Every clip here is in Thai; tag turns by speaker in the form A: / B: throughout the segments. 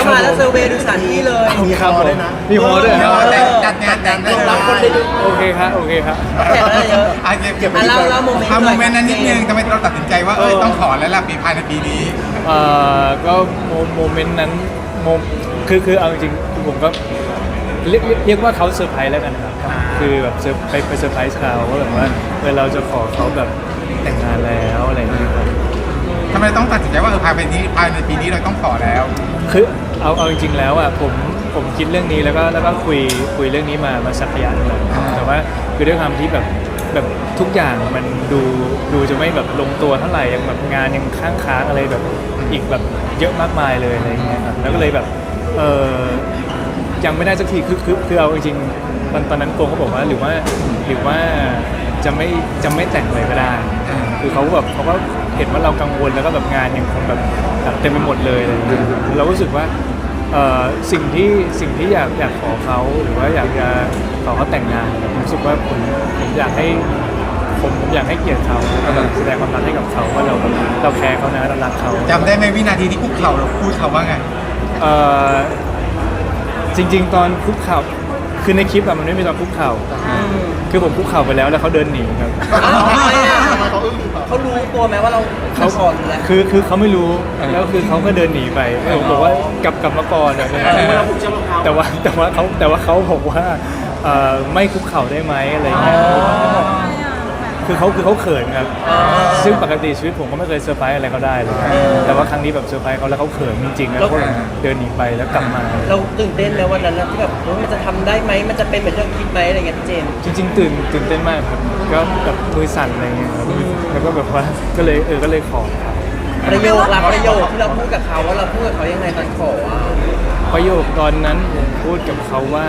A: มาแล้วเซอร์เวย์ดูสถานที่เลย
B: มีครับผมมีโฮด้วยนะ
C: จัดงานแต่ง
A: รับคนไปดู
B: โอเคครับโอเคครับ
A: แขกอะไรเยอะ
C: เก็บ
A: เล่าโมเมนต์
C: โมเมนต์นั้นนิดนึงทำไมเราตัดสินใจว่าต้องขอแล้วล่ะภายในปีนี้
B: ก็โมเมนต์นั้นคือเอาจริงๆผมก็เรียกว่าเขาเซอร์ไพรส์แล้วกันครับคือแบบไปเซอร์ไพรส์เขาว่าแบบว่าเราจะขอเขาแบบแต่งงานแล้วอะไรอย่างเงี้ยครับ
C: ทำไมต้องตัดสินใจว่าภายในปีนี้เราต้องขอแล้ว
B: คือเอาจริงๆแล้วอ่ะผมคิดเรื่องนี้แล้วก็คุยเรื่องนี้มาสักระยะหนึงแล้วแต่ว่าคือด้วยความที่แบบทุกอย่างมันดูจะไม่แบบลงตัวเท่าไหร่ยังแบบงานยังค้างอะไรแบบอีกแบบเยอะมากมายเลยอะไรอย่างเงี้ยครับแล้วก็เลยแบบยังไม่ได้สักทีคือเอาจริงๆตอนนั้นโกงเขาบอกว่าหรือว่าจะไม่แต่งเลยก็ได้คือเขาก็เห็นว่าเรากังวลแล้วก็แบบงานยังคงแบบเต็มไปหมดเลยอะไรอย่างเงี้ยเรารู้สึกว่าสิ่งที่อยากขอเขาหรือว่าอยากจะขอเขาแต่งงานผมรู้สึกว่าผมอยากให้เกียรติเขาแล้วก็แสดงความรักให้กับเขาว่าเราแคร์เขานะเรารักเขา
C: จำได้ไหมวินาทีที่คุกเข่าเราพูดเขาว่าไง
B: จริงๆตอนคุกเข่าคือในคลิปอะมันไม่มีตอนคุกเข่าคือผมคุกเข่าไปแล้วเขาเดินหนีครับ
A: อ้าวทำไมอ่ะเขารู้ตัวไหมว่าเราขอหรืออะไร
B: คือเขาไม่รู้แล้วคือเขาก็เดินหนีไปผมบอกว่ากลับมาก่อนอะแต่ว่าเขาบอกว่าไม่คุกเข่าได้ไหมอะไรอย่างเงี้ยคือเขาเขินครับซึ่งปกติชีวิตผมก็ไม่เคยเซอร์ไพรส์อะไรเขาได้เลยแต่ว่าครั้งนี้แบบเซอร์ไพรส์เขาแล้วเขาเขินจริงๆแล้วก็เดินหนีไปแล้วกลับมา
A: เราตื่นเต้นไหมวันนั้นที่แบบมันจะทำได้ไหมมันจะเป็นเหมือนที่เราคิดไหมอะไรเงี้ยพี่เจมส์
B: จริงๆตื่นเต้นมากครับก็แบบมือสั่นอะไรเงี้ยครับแล้วก็แบบว่าก็เลยขอครับ
A: ประโยคที่เราพูดกับเขาว่าเราพูดกับเขายังไงตอนขออ่ะ
B: ประโยคตอนนั้นผมพูดกับเขาว่า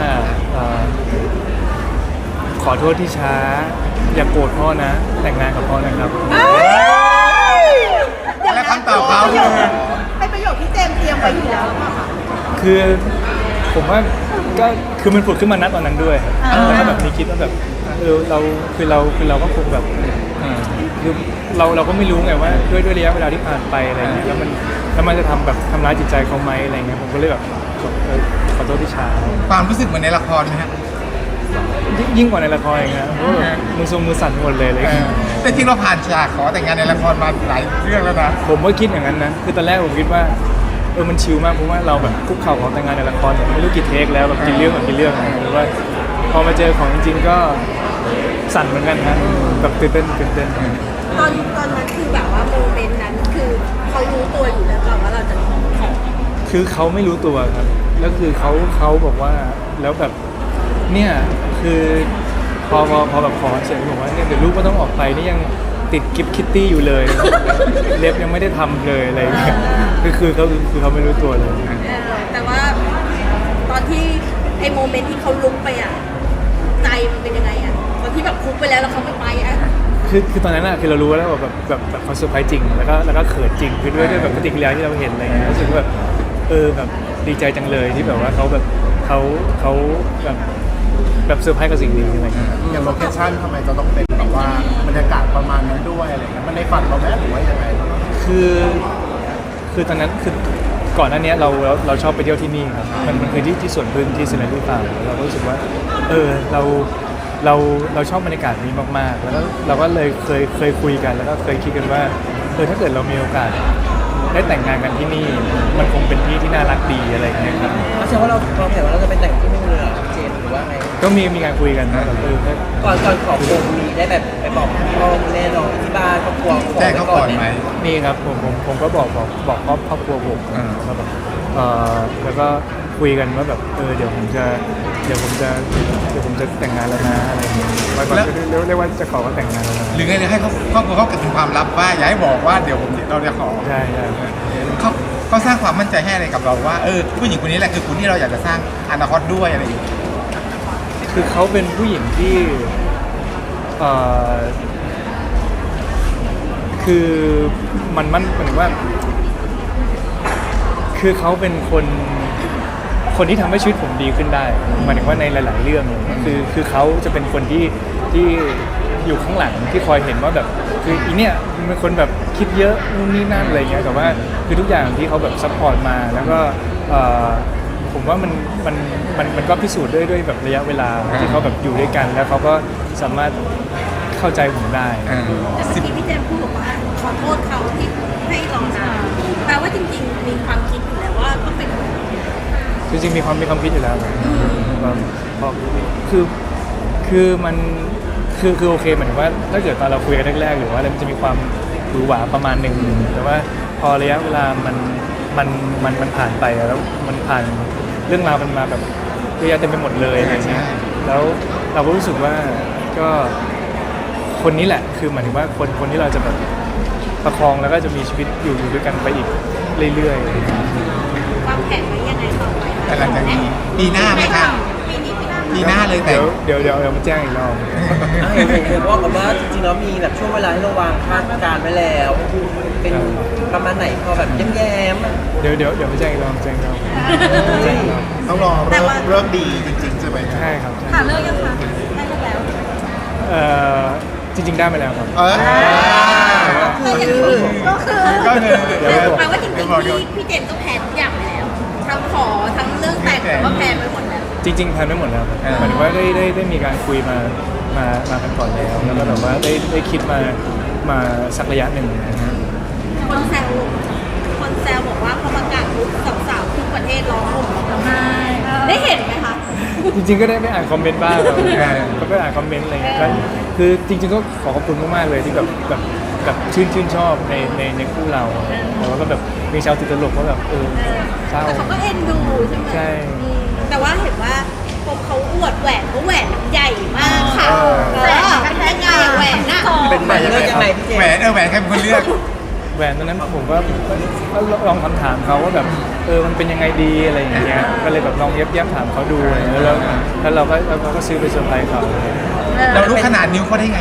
B: ขอโทษที่ช้าอย่าโกรธพ่อนะแต่งงานกับพ่อนะครับ
C: และคำตอบเขาคือ
D: เป็นประโยคที่เจมส์เตรียมไว้อยู่แล้วหรือเปล่าคะ
B: คือผมว่าก็คือมันผุดขึ้นมาณตอนนั้นด้วยแล้วก็แบบมีคิดว่าแบบเราก็คงแบบคือเราก็ไม่รู้ไงว่าด้วยระยะเวลาที่ผ่านไปอะไรเงี้ยแล้วมันจะทำร้ายจิตใจเขาไหมอะไรเงี้ยผมก็เลยแบบขอโทษที่ช้า
C: ความรู้สึกเหมือนในละครไหมฮะ
B: ยิ่งกว่าในละครอีกนะมือทรงมือสั่นหมดเลยอะไรเงี้ย
C: แต่จริงเราผ่านฉากขอแต่งงานในละครมาหลายเรื่องแล้วนะ
B: ผมก็คิดอย่างนั้นนะคือตอนแรกผมคิดว่ามันชิลมากเพราะว่าเราแบบคุกเข่าขอแต่งงานในละครแบบไม่รู้กี่เทคแล้วแบบกี่เรื่องหรือว่าพอมาเจอของจริงๆก็สั่นเหมือนกันนะแบบตื่นเต้น
D: ตอนนั้นคือแบบว่าโมเมนต์นั้นคือเขารู้ตัวอยู่แล้วเปล่าว่าเราจะขอ
B: คือเขาไม่รู้ตัวครับแล้วคือเขาบอกว่าแล้วแบบเนี่ยคือพอแบบขอเสร็จบอกว่าเนี่ยเดี๋ยวลูกก็ต้องออกไปนี่ยังติดกิฟต์คิตตี้อยู่เลย เล็บยังไม่ได้ทำเลยอะไรอย่างเงี้ยคือเขาไม่รู้ตัวเลย
D: แต่ว่าตอนที่ไอ้โมเมนต์ที่เขาลุกไปอ่ะใจมันเป็นยังไงอ่ะตอนที่แบบคุกไปแล้วเขาไม่ไปอ่ะ
B: คือตอนนั้นอะคือเรารู้แล้วว่าแบบเขาเซอร์ไพรส์จริงแล้วก็เขินจริงคือด้วยแบบปฏิกิริยาที่เราเห็นอะไรเงี้ยรู้สึกว่าแบบแบบดีใจจังเลยที่แบบว่าเขาแบบแบบเซอร์ไพรส์กับสิ่งนี้อะไรเงี้ย
E: อย่างโลเคชั่นทำไมจะต้องเป็นแบบว่าบรรยากาศประมาณนั้นด้วยอะไรเงี้ยมันในฝันเราไหมหรือว่ายังไง
B: คือตอนนั้นคือก่อนหน้านี้เราชอบไปเที่ยวที่นี่ครับมันคือที่สวนพึ่งที่ซินเนอรี่ฟาร์มเราก็รู้สึกว่าเราชอบบรรยากาศนี้มากๆแล้วเราก็เลยเคยคุยกันแล้วก็เคยคิดกันว่าถ้าเกิดเรามีโอกาสได้แต่งงานกันที่นี่มันคงเป็นที่ที่น่ารักดีอะไรอย่างเงี้ยครับ
A: แสดงว่าเราแผนว่าเราจะไปแต่งที่นู่นเลยเหรอเจมส์หรือว่าไง
B: ก็มีการคุยกันนะแบบ
A: ก่อนขอคงมีได้แบบไปบอกพ่อแม่น้องที่บ้านครอบครัว
C: แจ้งเขาก่อนไหม
B: มีครับผมก็บอกครอบครัวผมว่าแบบแล้วก็คุยกันว่าแบบเดี๋ยวผมจะแต่งงานแล้วนะอะไรอย่างเงี้ยเรียกว่าจะขอว่าแต่งงานแล้วนะ
C: หรือไงหรือให้เขาครอบครัวเขาเก็บเป็นความลับว่าอย่าให้บอกว่าเดี๋ยวเราจะขอ
B: ใช่
C: เขาสร้างความมั่นใจให้อะไรกับเราว่าผู้หญิงคนนี้แหละคือคนที่เราอยากจะสร้างอนาคตด้วยอะไรอย่างเงี้ย
B: คือเขาเป็นผู้หญิงที่คือมันเหมือนว่าคือเขาเป็นคนที่ทำให้ชีวิตผมดีขึ้นได้หมายถึงว่าในหลายๆเรื่องเลยคือเขาจะเป็นคนที่อยู่ข้างหลังที่คอยเห็นว่าแบบคืออีเนี่ยมันเป็นคนแบบคิดเยอะนู่นนี่นั่นอะไรเงี้ยแต่ว่าคือทุกอย่างที่เขาแบบซัพพอร์ตมาแล้วก็ผมว่ามันก็พิสูจน์ด้วยแบบระยะเวลาที่เขาแบบอยู่ด้วยกันแล้วเขาก็สามารถเข้าใจผมได้
D: แต่เมื่อกี้พี่เจมส์พูดบอกว่าขอโทษเขาที่ให้ลองทำแปลว่าจริงๆมีความคิดอยู่แล้วว่าต้องเป็น
B: จริงๆมีความคิดอยู่แล้วพอคือมันคือโอเคเหมือนว่าถ้าเกิดตอนเราคุยกันแรกๆหรือว่าอะไรมันจะมีความหวือหวาประมาณหนึ่งแต่ว่าพอระยะเวลามันผ่านไปแล้วมันผ่านเรื่องราวมันมาแบบเยอะแยะเต็มไปหมดเลยอะไรเงี้ยแล้วเราก็รู้สึกว่าก็คนนี้แหละคือหมายถึงว่าคนที่เราจะแบบประคองแล้วก็จะมีชีวิตอยู่ด้วยกันไปอีกเรื่อยๆ
D: วางแผนไว้ยังไงต่อไป
C: แต่หลังจากนี้ปีหน้าไหมคะ ปีหน้าเลยแต่
B: เดี๋ยวมาแจ้งอีกรอบ
A: เห็นบอกกันว่าจริงๆแล้วมีแบบช่วงเวลาที่เราวางคาดการณ์ไว้แล้ว เป็นประมาณไหนพอแบบแย้มๆ
B: เดี๋ยวมาแจ้งอีกรอบแจ้งอีกรอบแจ้งอีกรอบ
E: ต้องรอเริ่มดีจริงๆใช่ไหม
B: ใช่ครับใช่
D: หาเลิกยังคะได้เลิกแล้ว
B: จริงๆได้มาแล้วครับ
C: ก็คือ
D: แปลว่าจริงๆพี่เจมส์ก็แพลนทุกอย่างไปแล้วทั้งขอทั้งเรื่องแต่งก็แพลนไว้หมดแล้ว
B: จริงๆแพลนไม่หมดแล้วครับหมายถึงว่าได้มีการคุยมากันก่อนแล้วแล้วก็แบบว่าได้คิดมาสักระยะหนึ่งนะฮะ
D: คนแซวบอกว่าพอประกาศปุ๊บสาวๆทุกประเทศร้องห่มร้องไห้ได้เห็นไหมคะ
B: จริงๆก็ได้ไปอ่านคอมเมนต์บ้างครับก็ไปอ่านคอมเมนต์อะไรเงี้ยก็คือจริงๆก็ขอขอบคุณมากๆเลยที่แบบชื่นชอบในคู่เราแต่ว่าก็แบบมีชาวติดตลกว่าแบบเศร้า
D: แต่เขาก็เอ็นดูใช่ไหม
B: ใช่
D: แต่ว่าเห็นว่าพอเขาอวดแหวนเขาแหวนใหญ่มากค่ะเป็นยังไงแหวนน่ะ
A: เป็นแบบเลือกยังไงพี่เจม
C: แหว
A: ส์
C: นแหวนใครเป็นคนเลือก
B: แหวนตอนนั้นผมก็ลองถามเขาว่าแบบมันเป็นยังไงดีอะไรอย่างเงี้ยก็เลยแบบลองเย็บถามเขาดูแล้วเราก็ซื้อไปเซอร์ไพรส์เขา
C: เรารู้ขนาดนิ้วเขาได้ไง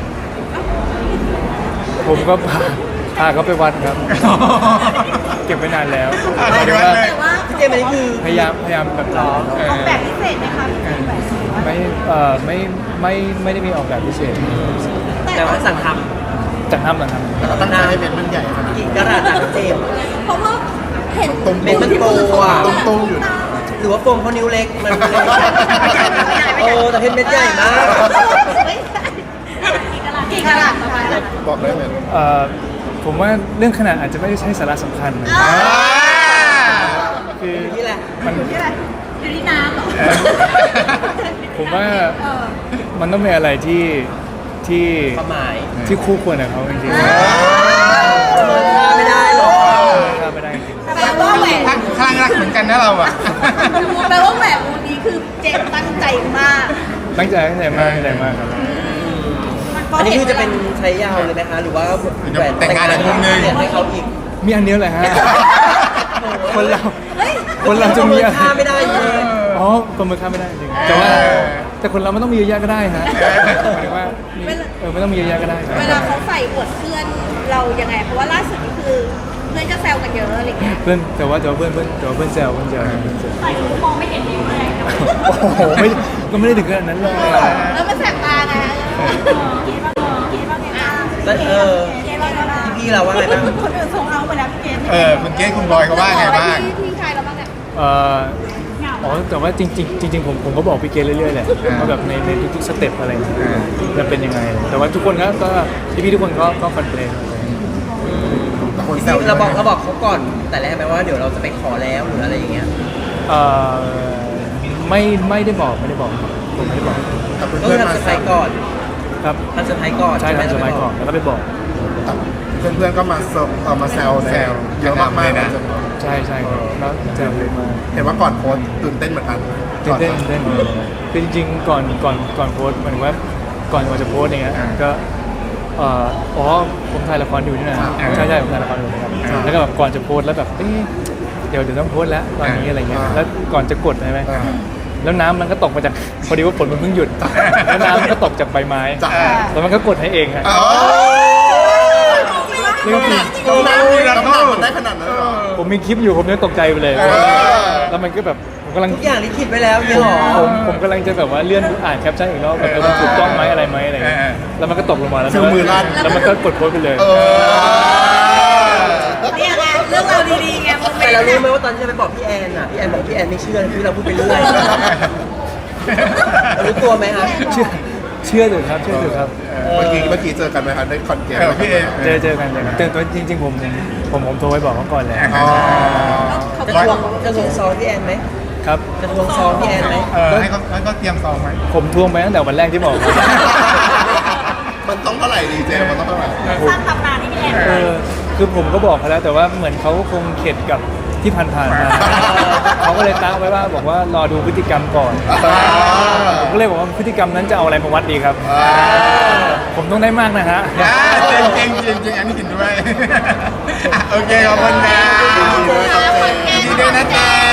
B: ผมก็พาเขาไปวัดครับ เก็บไว้นานแล้ว
C: ไปวัดเลย
D: แต่ว่า
A: พี่เจมส์อันนี้คือ
B: พยายามแบบรอ
D: ออกแบบพิเศษไหมคะพี่เจมส์แหวน
B: ไม่ได้มีออกแบบพิเศษ
A: แต่ว่าสั่งท
B: จากทำหลังท
E: ตั้งใจให้เป็นมันใหญ่ขนาด
A: ำกี่กะรัตอะพี่เจมส์
D: เพราะว่าเห็น
A: เป็นมันโตอ่ะ
E: ตุ้มๆอยู่นะ
A: หรือว่าโฟมเขานิ้วเล็กมันเลยโอ้แต่เพชรเม็ดใหญ่มาก
D: กี่กะรัตประมาณนั้น
E: บอกได้ไหม
B: ผมว่าเรื่องขนาดอาจจะไม่ได้ใช่สาระสำคัญนะคือ
A: นี่แหละ
B: มัน
D: อยู่ที่น้ำเหรอ
B: ผมว่ามันต้องเป็นอะไรที่
A: ความหมาย
B: ที่คู่ควรกับเขาจริงๆ
A: ไม่ได้หรอก
B: ข้ามไม่ได้จริง
D: แปลว่าแหวน
C: ข้างรักเหมือนกันนะเราอ่ะ
D: แปลว่าแหวนวงนี้คือเจมส์ตั้งใจมาก
B: ตั้งใจมากครับ
A: อันนี้คือจะเป็นใช้ยาวเลยไหมคะหรือว่าแหวน
C: แต่งงานอีกมุมนึง
A: เปลี่ยนให้เขาอีก
B: มีอันเดียวแหละฮะ คนเรา
D: เฮ้ย
B: คนเราจะมีอะไร
A: ค่าไม่ได้เลย
B: อ๋อคนมือข้ามไม่ได้จริงแต่ว่าแต่คนเราไม่ต้องมีเยอะแยะก็ได้ฮะหมายถึงว่าไม่ต้องมีเยอะแยะก็ได้ครับ
D: เวลาเขาใส่อวดเพื่อนเรายังไง เพราะว่าล่าสุดนี่คือเพื่อนก็แซวกันเยอะอะไรเงี้ย
B: เพื่อนแต่ว่าเพื่อนแซว
D: ใส่หูมองไม่เห็นนิ้วเลย
B: โอ้โหก็ไม่ได้ถึงขนาดนั้นเลย
D: แล้วมันแสบตาไงคิดว่าไงบ้าง
A: แล้วพี่เราว่าไงบ้าง
D: คนอื่นส่งเอาไปแล้วพี่เกณฑ์
C: คุณเกศคุณบอยเขาว่าไงบ้าง
D: พี่ชายเราบ้างเนี่ย
B: อ๋อแต่ว่าจริงผมก็บอกพี่เกณเรื่อยๆแหละว่าแบบในทุกๆสเต็ปอะไรอย่างเงี้ยจะเป็นยังไงแต่ว่าทุกคนก็พี่ทุกคนก็คอนเทนต์
A: เราบอกเขาก่อนแต่แรกไหมว่าเดี๋ยวเราจะไปขอแล้วหรืออะไรอย่างเงี้ย
B: ไม่ได้บอกครับผมไม่ได้บอก
E: แต่
A: ก็
E: เพื่อน
A: ทำ
E: ๆมา
A: เซอร์ไพรส์ก่อน
B: ครับ
A: ทำเซอร์ไพรส์ก่อน
B: ใช่ทำสมัยก่อนแล้วก็ไปบอก
E: เพื่อนๆก็มามาแซวเยอะมากๆนะ
B: ใช่ครับแล้วแซวเลยมา
E: เห็นว่าก่อนโพสต์ตื่นเต้นเหมือนกัน
B: ตื่นเต้นคือจริงๆก่อนโพสต์หมายถึงว่าก่อนจะโพสต์อย่างเงี้ยก็ผมถ่ายละครอยู่นี่นะใช่ผมถ่ายละครอยู่นะครับแล้วก็แบบก่อนจะโพสต์แล้วแบบเดี๋ยวต้องโพสต์แล้วตอนนี้อะไรเงี้ยแล้วก่อนจะกดใช่ไหมแล้วน้ำมันก็ตกมาจากพอดีว่าฝนมันเพิ่งหยุดแล้วน้ำมันก็ตกจากใบไม้แล้วมันก็กดให้เองฮะเรื่องจริง
E: ต้องน้ำมันได้ขนาดนั้นเหรอ
B: ผมมีคลิปอยู่ผมยังตกใจไปเลยแล้วมันก็แบบโหผมกำลัง
A: ทุกอย่างลิขิตไว้แล้วเนี่ยหรอ
B: ผมกำลังจะแบบว่าเลื่อนอ่านแคปชั่นอีกรอบแบบมันถูกต้องไหมอะไรไหมอะไรเงี้ยแล้วมันก็ตกลงมาแล้ว
E: ฟิลมือลั่น
B: แล้วมันก็กดโพสต์ไปเลย
D: เนี่ยไงเรื่องเราวดีๆไงโมเม
A: แต่
D: น
A: เรา
D: ต์
A: รู้
D: น่ะ
A: ไหมว่าตอนที่จะไปบอกพี่แอนอ่ะพี่แอนบอกพี่แอนไม่เชื่อที่เราพูดไปเรื่อยเรารู้ตัวไหมครับ
B: เชื่อเถอะครับเชื่อเถอะครับ
E: เมื่อกี้เจอกันไหมคะได้คอนแกร
C: พี่เอ
B: เจอกันแต่ตัวจริงๆผมโทรไปบอกเขาก่อนแหละ
C: อ๋อ
D: เขา
A: จะ
D: ก็
A: ท
D: บ
A: ว
D: อง ก
A: จะทวงซองพี่แอนไหม
B: ครับ
A: จะทวงซองพี่แอนไหม
C: ให้เขาเตรียมซองไหม
B: ผมทวงไปตั้งแต่วันแรกที่บอก
E: มันต้องเท่าไหร่ดีเจมันต้องเท่าไหร่
D: สร้างตำนานให้พี่แอน
B: คือผมก็บอกเขาแล้วแต่ว่าเหมือนเขาคงเข็ดกับที่ผ่านๆมาเขาก็เลยตั้งไว้ว่าบอกว่ารอดูพฤติกรรมก่อนผมก็เลยบอกว่าพฤติกรรมนั้นจะเอาอะไรมาวัดดีครับ ผมต้องได้มากนะฮะ
C: จริงอันนี้กินด้วยโอเคขอบคุณนะ
D: ขอบคุณค่ะ
C: ยินดีด้วยนะเจ